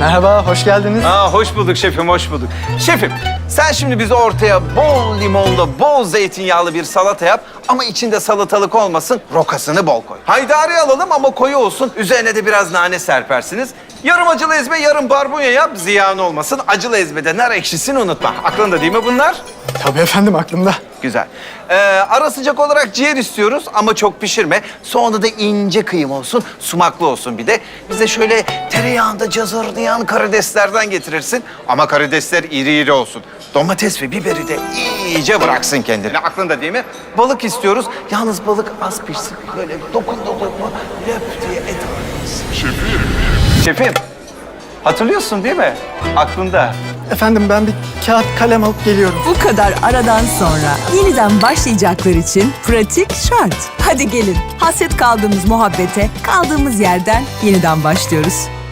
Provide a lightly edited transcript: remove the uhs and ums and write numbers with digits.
Merhaba, hoş geldiniz. Hoş bulduk şefim, hoş bulduk. Şefim, sen şimdi bize ortaya bol limonlu, bol zeytinyağlı bir salata yap. Ama içinde salatalık olmasın, rokasını bol koy. Haydari alalım ama koyu olsun. Üzerine de biraz nane serpersiniz. Yarım acılı ezme, yarım barbunya yap, ziyan olmasın. Acılı ezmede nar ekşisini unutma. Aklında değil mi bunlar? Tabii efendim, aklımda. Güzel. Ara sıcak olarak ciğer istiyoruz ama çok pişirme. Sonra da ince kıyım olsun, sumaklı olsun bir de. Bize şöyle tereyağında cazırdayan karideslerden getirirsin. Ama karidesler iri iri olsun. Domates ve biberi de iyice bıraksın kendini. Aklında değil mi? Balık istiyoruz. Yalnız balık az pişsin. Böyle dokundu mu löp diye et alırız. Şefim, hatırlıyorsun değil mi? Aklında. Efendim ben bir kağıt kalem alıp geliyorum. Bu kadar aradan sonra yeniden başlayacaklar için pratik şart. Hadi gelin, hasret kaldığımız muhabbete kaldığımız yerden yeniden başlıyoruz.